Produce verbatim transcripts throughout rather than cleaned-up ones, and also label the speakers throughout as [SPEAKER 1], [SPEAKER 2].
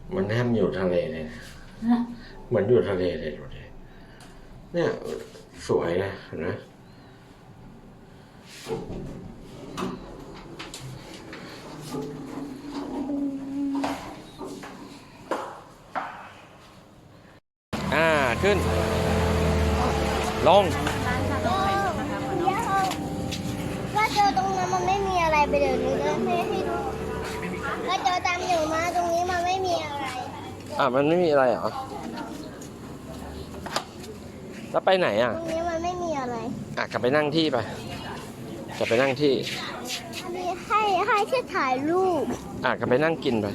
[SPEAKER 1] มันแทบอยู่ทะเลเลยนะเหมือนอยู่ทะเลเลยดูดิเนี่ยสวยนะเห็นไหมอ่าขึ้นลง
[SPEAKER 2] ว่าเจอตรงนั้นมันไม่มีอะไรไปเดี๋ยวนี้นะให้ให้ดูว่าเจอตามอยู่มาตรงนี้มันไม่มีอะไร
[SPEAKER 1] อ่ะมันไม่มีอะไรเหรอแล้วไปไหนอ่ะ
[SPEAKER 2] ตรงนี้มันไม่มีอะไร
[SPEAKER 1] อ่ะกลับไปนั่งที่ไปกลับไปนั่งที่
[SPEAKER 2] อันนี้ให้ให้แค่ถ่ายรูป
[SPEAKER 1] อ่ะกลับไปนั่งกินไป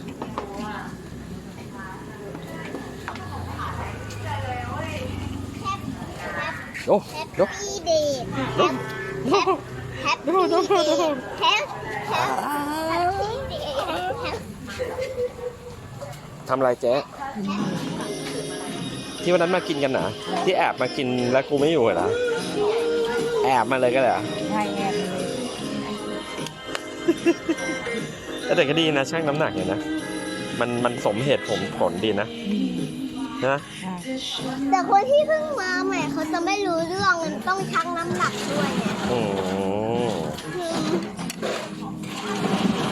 [SPEAKER 1] โอ้
[SPEAKER 2] แฮป
[SPEAKER 1] ยก
[SPEAKER 2] ปี้เดย์แฮปแฮปแฮปปี้เดย์แฮปแฮปแฮปปี้เดย์แฮป
[SPEAKER 1] ทำอะไรเจ๊ที่วันนั้นมากินกันนะที่แอบมากินแล้วกูไม่อยู่เหรอแอบมาเลยก็เลยเหรอ
[SPEAKER 3] ใช่แอบเลย
[SPEAKER 1] แต่เด็กก็ดีนะช่างน้ำหนักเนี่ยนะมันมันสมเหตุผมผลดีนะนะ
[SPEAKER 3] ใช่
[SPEAKER 2] แต่คนที่เพิ่งมาใหม่เขาจะไม่รู้เรื่องมันต้องชั่งน้ำหนักด้วยไง
[SPEAKER 1] อืม
[SPEAKER 2] คือ